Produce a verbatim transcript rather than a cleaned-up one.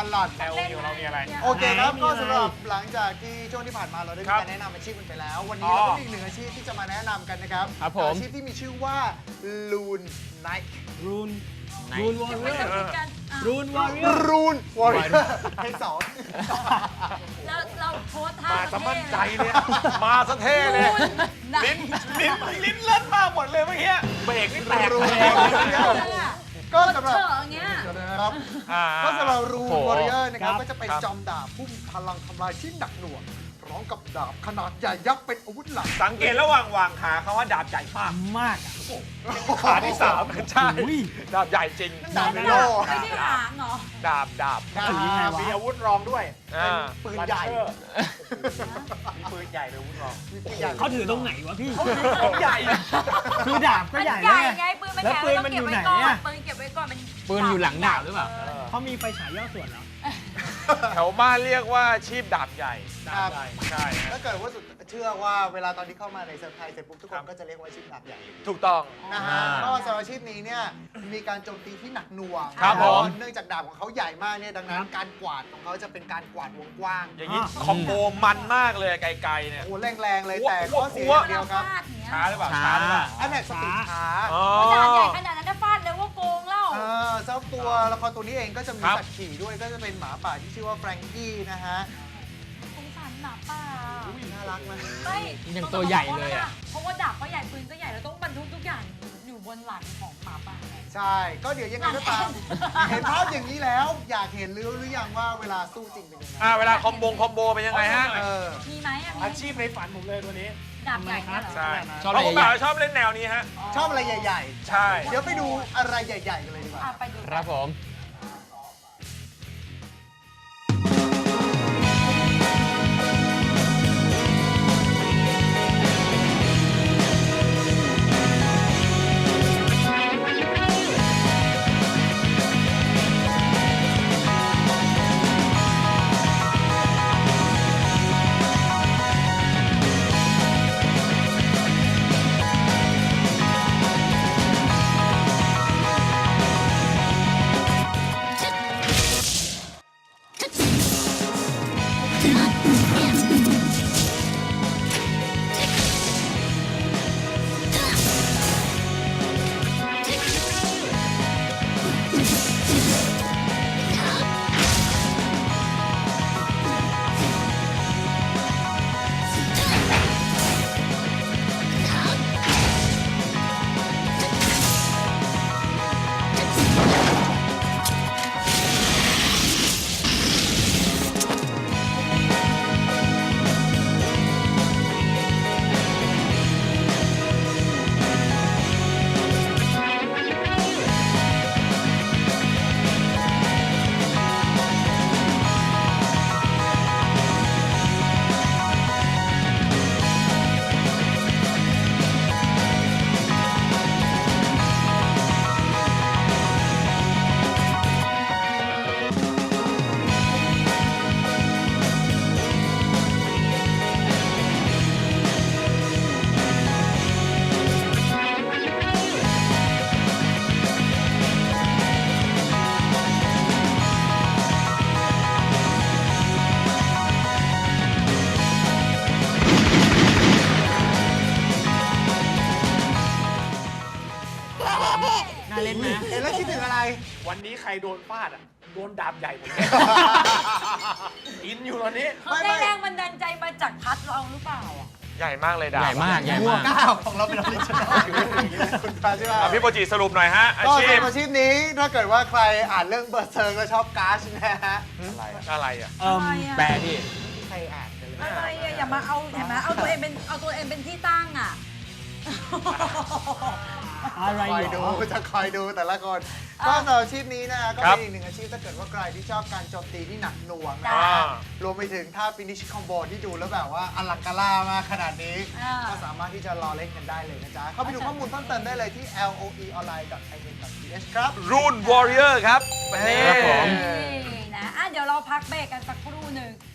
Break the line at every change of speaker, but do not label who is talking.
ลอด
แอลอยู่เรามีอะไร
โอเคครับก็สำหรับหลังจากที่ช่วงที่ผ่านมาเราได้มีการแนะนำอาชีพกันไปแล้ววันนี้เราก็มีอีกหนึ่งอาชีพที่จะมาแนะนำกันนะครับอาชีพที่มีชื่อว่า Loon Knight
รูนรูนวอร์เรียร์รูนวอร์เรียร์
Loon Warrior เทคสอง
แล้วเราโพสท่า
มาสมั่นใจเลยมาสะเท่เลยลิ้นลิ้นลิ้นเล่นมากหมดเลยเมื่อกี้เบรกนี่แตก
รูน
เลย
ก็สำหรับ
เถอะอย่างเงี้ย
ครับก็สำหรับรูนวอริเออร์นะครับ
ครับ
ก็จะเป็นจอมดาบพุ่มพลังทำลายที่หนักหน่วงพร้อมกับดาบขนาดใหญ่ยักษ์เป็นอาวุธหลัก
สังเกตระหว่างวางขาเขาว่าดาบใหญ่มาก
มากอะ
ขาที่สามใช่
อุ้ย
ดาบใหญ่จริง
ดาบในโลก
ไม่ได้หางเหรอ
ดาบดาบ
ดาบ
มีอาวุธรองด้วย
ปืนใหญ่
มีปืนใหญ่เป็นอาวุธรอง
มีปืนใหญ่
เขาถือตรงไหนวะพี่
ของใหญ่
คือดาบก็
มัน
ใหญ่
ให
แล้ว
ญ่
ไง
ไงปืนมัน
แล้ว
ใหญ่
ปืนมันอยู่ไหนอะ
ปืนเก็บไว้ก่อนมัน
ปืนอยู่หลังดาบหรือเปล่า
เขามีไฟฉายย่อส่วนเหรอ
แถวบ้านเรียกว่าชีพดาบใหญ่ดาบใหญ่ใช่
ถ้าเกิดว่าสุดเชื่อว่าเวลาตอนที่เข้ามาในเซอร์ไพรส์เสร็จปุ๊บทุกคนก็จะเรียกว่าอาชีพดาบใหญ่
ถูกต้อง
นะฮะก็สำหรับอาชีพนี้เนี่ยมีการโจมตีที่หนักหน่วง
ครับผม
เนื่องจากดาบของเขาใหญ่มากเนี่ยดังนั้นการกวาดของเขาจะเป็นการกวาดวงกว้าง
อย่างนี้คอมโบมันมากเลยไกลๆเนี่ย
โอ้แรงๆเลยแต่
หัว
ข้อเสีย
หัว
อย่างเดียวครับ
ฟาดอย่างเงี้ย
ช้าหรือเปล่าช้าหรือเปล่า
อันไหนสปีดช้า
อ๋อ
ขนาดใหญ่ขนาดนั้นถ้าฟาดเลยว่าโกงเล่า
เออเจ้าตัวละครตัวนี้เองก็จะมี
ครับ
สัตว์ขี่ด้วยก็จะเป็นหมาป่าที่ชื่อว่าแฟรงกี้นะฮะ
สงสารหมาป่า
น่ารักนะ
ไม่
ยังตัวใหญ่เลยอะ
เพราะว่าดาบก็ใหญ่ปืนก็ใหญ่แล้วต้องบรรทุกทุกอย่างอยู่บนหลังของหมาป่าไง
ใช่ ก็เดี๋ยวยังไงก็ตาม เห็นภาพอย่างนี้แล้ว อยากเห็นหรือหรือยังว่าเวลาสู้จริงเป็นยังไง
อ่าเวลาคอมโบคอมโบเป็นยังไงฮะ
เออ
มีไหมอะมี
อาชีพในฝันผมเลยตัวนี้
ดาบใหญ่เนี่ยเหรอ
ใช่
ชอบ
เพราะผม
อะไรใหญ่
แบบชอบเล่นแนวนี้ฮะ
ชอบอะไรใหญ่
ใช่
ๆ เดี๋ยวไปดูอะไรใหญ่ๆกันเลยดีกว่า
อ่ะไปดู
ครับผม
น่าเล่นนะ
เห็นแล้วคิดถึงอะไร
วันนี้ใครโดนฟาดอ่ะ โดนดาบใหญ่หมดเลยอินอยู่ตอนนี้
เขาได้แรงบันดาลใจมาจากพัดเราหรือเปล่าอ่ะ
ใหญ่มากเลยดาบ
ใหญ่มากใหญ่
หัว
มาก
ก้าวของเราเป็นออริจินอลคุณพาใช่ไหม
อ่ะพี่โปรจิสรุปหน่อยฮะ อา
ก็
ชีพ
สำหรับอาชีพนี้ถ้าเกิดว่าใครอ่านเรื่องเบอร์เซอร์ก็ชอบการ์ชนะฮะ
อะไรอะไรอ่ะ
เอิ่ม
อะไรอะ
แปลดิ
ใครอ่านกันเลย
อะไรอะอย่ามาเอาเห็นไหมเอาตัวเองเป็นเอาตัวเองเป็นที่ตั้งอ่ะ
อะไร
คอย
เหร
ดู
อ
จะคอยดูแต่ละคน ก็สำหรับอาชีพนี้นะฮะก็เป็นอีกหนึ่งอาชีพถ้าเกิดว่าใครที่ชอบการโจมตีที่หนักหน่วงนะ
จ้า
ฮะรวมไปถึงท่าฟินิชคอมโบที่ดูแล้วแบบว่าอลังการ่ามากขนาดนี้
อ่า
ก็สามารถที่จะรอเล่นกันได้เลยนะจ๊ะ เข้าไปดูข้อมูลเพิ่มเติมได้เลยที่ แอล โอ อี ออนไลน์ ดอท ไอ เอ็น ดอท ที เอช ครับ
รูนวอริเออร์ครับวันนี้
ครับผม
นี่นะอ่ะเดี๋ยวเราพักเบรกกันสักครู่หนึ่ง